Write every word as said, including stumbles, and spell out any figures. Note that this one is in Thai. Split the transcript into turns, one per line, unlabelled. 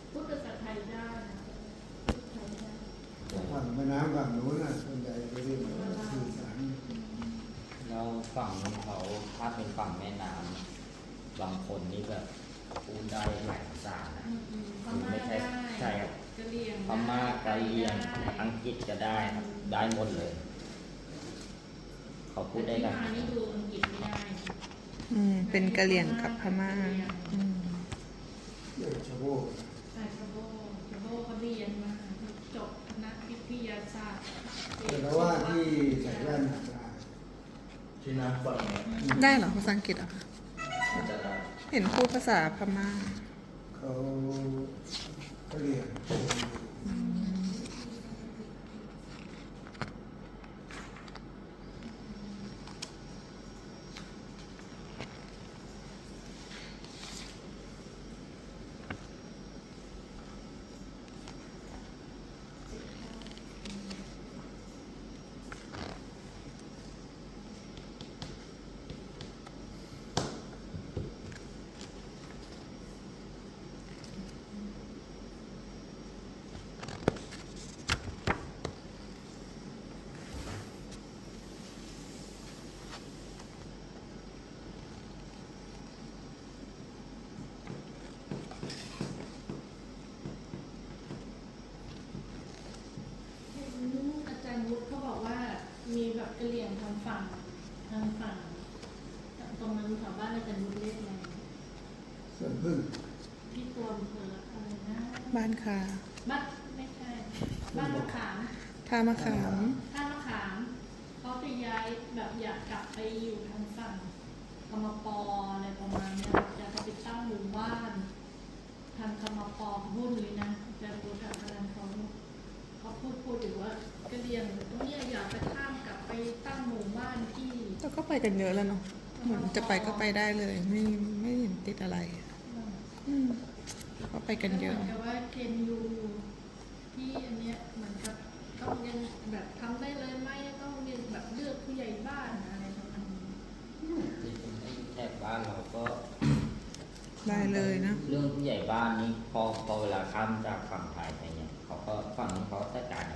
พูดภาษาไทยได้นะพูดไทยได้
ฝั่งแม่น้ำฝั่งนู้นน่ะส่วนใหญ่จะเรียกว่าสื่อสาร
แล้วฝั่งนู้นเขาถ้าเป็นฝั่งแม่น้ำบางคนนี่แบบพูดได้หลายภาษานะ
อืมอืมพม่า
ไม่ใช่
ได้
ใช่ครับ
กะเหรี่ยง
พม่ากะเหรี่ยง
ได้
อังกฤษก็ได้ครับได้หมดเลย เขาพูดได้
แต่
กัน
ที่มานี่ดูอังกฤษไม่ได้
อืมเป็นกะเหรี่ยงกับพม่าอืม
เรื่องชาวโบก
ใช่ชาโบชาโบเขาเรียนมาจบคณะวิทยาศาสตร์
แต่ว่าที่ใส่แว่นหนาตา
ที่น้ำฝั่งเนี้ย
ได้เหรอภาษาอังกฤษเหรอคะ
มันจะได้
เห็นพูดภาษาพม่า
เขาเขาเรียน
เห็นอาจารย์วุฒิเขาบอกว่ามีแบบกะเหรี่ยงทางฝั่งทางฝั่งตรงนั้นแถวบ้านอาจารย์วุฒิเรียกอะไร
ส่วนพึ่ง
ที่ตัวอำเภออะไรนะ
บ้านคา
บ้านไม่ใช่ บ้านมะขาม
ท่ามะขาม
ท่ามะขามเขาจะย้ายแบบอยากกลับไปอยู่ทางฝั่งคมปอะไรประมาณเนี้ยอยากจะไปตั้งหมู่บ้าน ทางคมปเขาพูดเลยนะอาจารย์วุฒิอาจารย์เขาเขาพูดพูดอยู่ว่ากะเหรี่ยงตรงเนี้ยอยากไปข้ามกลับไปตั้งหมู่บ้านที่
แล้วก็ไปกันเยอะแล้วเนาะเหมือนจะไปก็ไปได้เลย ไม่ไม่เห็นติดอะไรอืมก็ไปกันเยอะ
แต่ว่าเคนยูที่อันเนี้ยเหมือนกับต้องยังแบบทำได้เลยไหมต้องเรียนแบบเลือกผู้ใหญ่บ้านอะไรประมาณนี้
ที่เป็นไอ้แถบบ้านเราก็
ได้เลยนะ
เรื่องผู้ใหญ่บ้านนี่พอพอเวลาข้ามจากฝั่งไทยไปเนี่ยเขาก็ฝั่งนี้เขาจัดการ